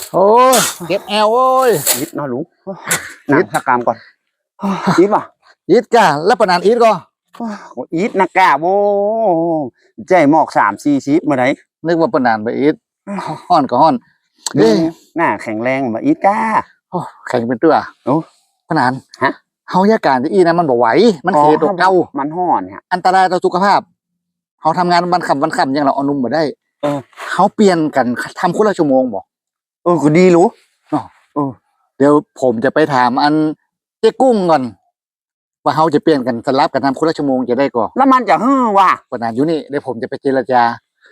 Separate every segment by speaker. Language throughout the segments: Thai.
Speaker 1: โอ้ยเก็บแอลโอ้ย
Speaker 2: ยิดนอนลุงยิดนักกามก่อนยิดป่ะ
Speaker 1: อีทก่ะแล้วปนานอีทก็
Speaker 2: ยิดนักกาโว้ใจหมอก3-4 ชิปมาไหน
Speaker 1: นึกว่าปนานไปอีทห้อนก็ห้อน
Speaker 2: หน้าแข็งแรงมาอีทก้า
Speaker 1: แข็งเป็นตัว
Speaker 2: โอ้
Speaker 1: ปนานฮะเฮายาการที่อีนะมันบ่ไหวมันเขตเก่า
Speaker 2: มันห่อนฮะ
Speaker 1: อันตรายต่อสุขภาพเขาทำงานวันค่ำยังเราเอานุ่มมาได้เขาเปลี่ยนกันทำคนละชั่วโมงบอก
Speaker 2: ก็ดีรู้
Speaker 1: เดี๋ยวผมจะไปถามอันเจ๊กุ้งก่อนว่าเขาจะเปลี่ยนกันสลับกันทำคนละชั่วโมงจะได้ก่อน
Speaker 2: แล้วมันจะว่ะ
Speaker 1: ปนานอยู่นี่เดี๋ยวผมจะไปเจรจา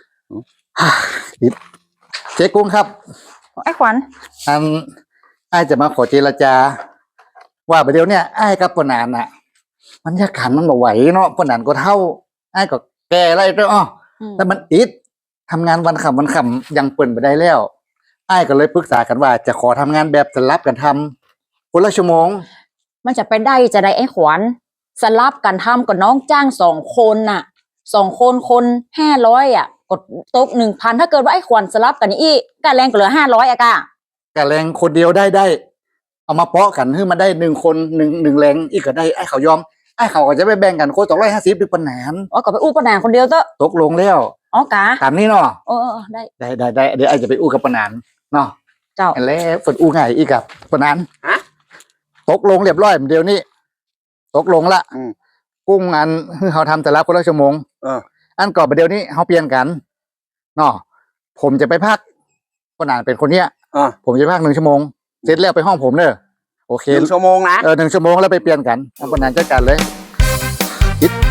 Speaker 1: เจ๊กุ้งครับ
Speaker 3: ไอ้ขวัญ
Speaker 1: ไอ้จะมาขอเจรจาว่าประเดี๋ยวเนี่ยไอ้กับปนานอ่ะมันยากขันมันบ่ไหวเนาะปนานก็เท่าไอ้ก็แก่อะไรด้วยแต่มันอิดทำงานวันค่ำยังเปิ่นไปได้แล้วไอ้ก็เลยปรึกษากันว่าจะขอทำงานแบบสลับกันทำคนละชั่วโมง
Speaker 3: มันจะไปได้จะได้ไอ้ขวัญสลับกันทำกับน้องจ้าง2 คนน่ะ2 คน500อ่ะกดตก1,000ถ้าเกิดว่าไอ้ขวัญสลับกันอีกกะแรงก็เหลือ500อะ
Speaker 1: กะแรงคนเดียวได้เอามาเปาะกันให้มันได้1 คน1แรงอีกก็ได้ไอ้เขายอมไอ้เขาก็จะไปแบ่งกันคน250ด้วยปนาน
Speaker 3: ก็ไปอู้ปนานคนเดียวเถอะ
Speaker 1: ตกลงแล้ว
Speaker 3: กะ
Speaker 1: ตามนี้เนาะ
Speaker 3: ได้
Speaker 1: เดี๋ยวไอ้จะไปอู้กับปนานเนาะ
Speaker 3: เจ้า
Speaker 1: แล้วฝนอู้ง่ายอีกกับปนานตกลงเรียบร้อยเดี๋ยวนี้ตกลงละกุ้งอันคือเขาทำแต่ละคนละชั่วโมงอันก่อนเดี๋ยวนี้เขาเปลี่ยนกันเนาะผมจะไปพักปนานเป็นคนเนี้ยผมจะพัก1 ชั่วโมงเสร็จแล้วไปห้องผมเนอะโอเค
Speaker 2: 1 ชั่วโมงนะ
Speaker 1: 1 ชั่วโมงแล้วไปเปลี่ยนกันปนานจัดการเลยคิด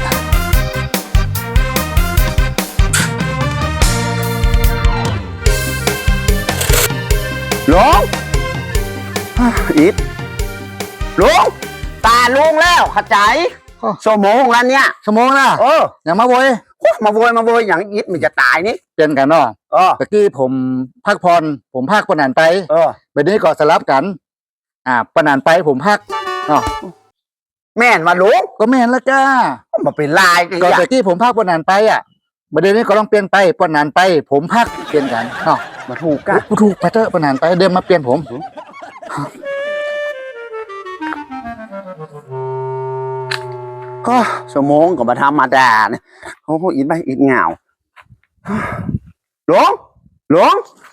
Speaker 2: ลุงอิดลุงตาลุงแล้วขจายชั่วโมงแล้วเนี่ย
Speaker 1: ชั่วโมงละอย่ามาโวย
Speaker 2: อย่างอิดมันจะตายนี่
Speaker 1: เปลี่ยนกันเนาะตะกี้ผมพักผ่อนผมพักปนานไปแบบนี้ก็สลับกันปนานไปผมพักเนาะ
Speaker 2: แม่นมาลุง
Speaker 1: ก็แม่นละจ้า
Speaker 2: มาเป็นลาย
Speaker 1: ก็ตะกี้ผมพักปนานไปประเด็นนี้ก็ต้องเปลี่ยนไปปนานไปผมพักเปลี่ยนกันเนาะ
Speaker 2: มาถูกกัน
Speaker 1: ถูกไปเถอะปนานไปเดินมาเปลี่ยนผม
Speaker 2: ก็ชั่วโมงก็มาทำมาด่าเนี่ยเขาพูดอิดไปอิดเหงาหลวง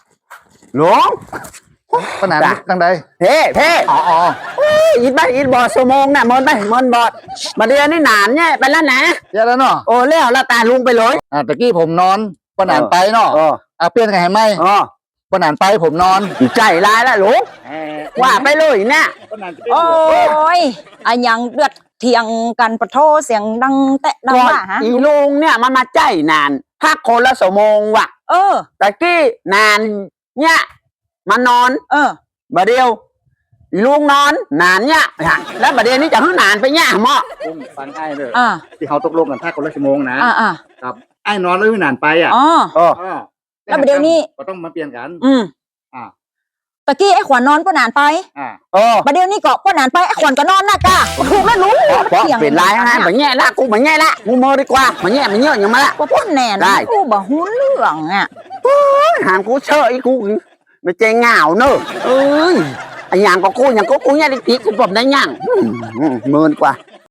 Speaker 1: ปนานตั้งใด
Speaker 2: เพ่อิดไปอิดบอดชั่วโมงน่ะมันบอดมาเดือนนี่นานเนี่ยไปแล้วนะ
Speaker 1: เยอะแล้วเนาะ
Speaker 2: โอ้แล้วตาลุงไปเลย
Speaker 1: ตะกี้ผมนอนปนานไปเนาะเปลี่ยนกันให้ไหมปนานไปผมนอน
Speaker 2: ใจร้ายแล้วลุงว่าไปเลยเนี่ย
Speaker 3: โอ้ยยังเดือดเถียงกันปะโทเสียงดังแตะดังว่า
Speaker 2: อีลุงเนี่ยมันมาใจนานพักคนละชั่วโมงว่ะตะกี้นานเนี่ยมานอนบาเดียวอีลุงนอนนานเนี่ยแล้วบาเดียวนี้จะให้นานไปเนี่ยหม้อ
Speaker 1: ฟังไอ้เลยที่เขาตกลงกันพักคนละชั่วโมงนะครับไอ้นอนแล้วนานไป
Speaker 3: แล้วบาเดียวนี้
Speaker 1: ก็ต้องมาเปลี่ยนกัน
Speaker 3: ตะกี้ไอ้ขวัญนอนปนานไปประเดี๋ยวนี้ก็ปนานไปไอ้ขวัญก็นอนนะก้าถูกแล้วรู้
Speaker 2: เป็นไรฮะแบบแง่ละกูแบบแง่ละกูเมื่อดีกว่าแบบแง่มันเยอะอย่างมาละ
Speaker 3: กูพูดแน่นกูบอกหุ้นเรื่อง
Speaker 2: หามกูเชยกูไม่ใจเหงาเนอะอย่างก็กูเนี่ยดิกูแบบได้ยังเมินกว่า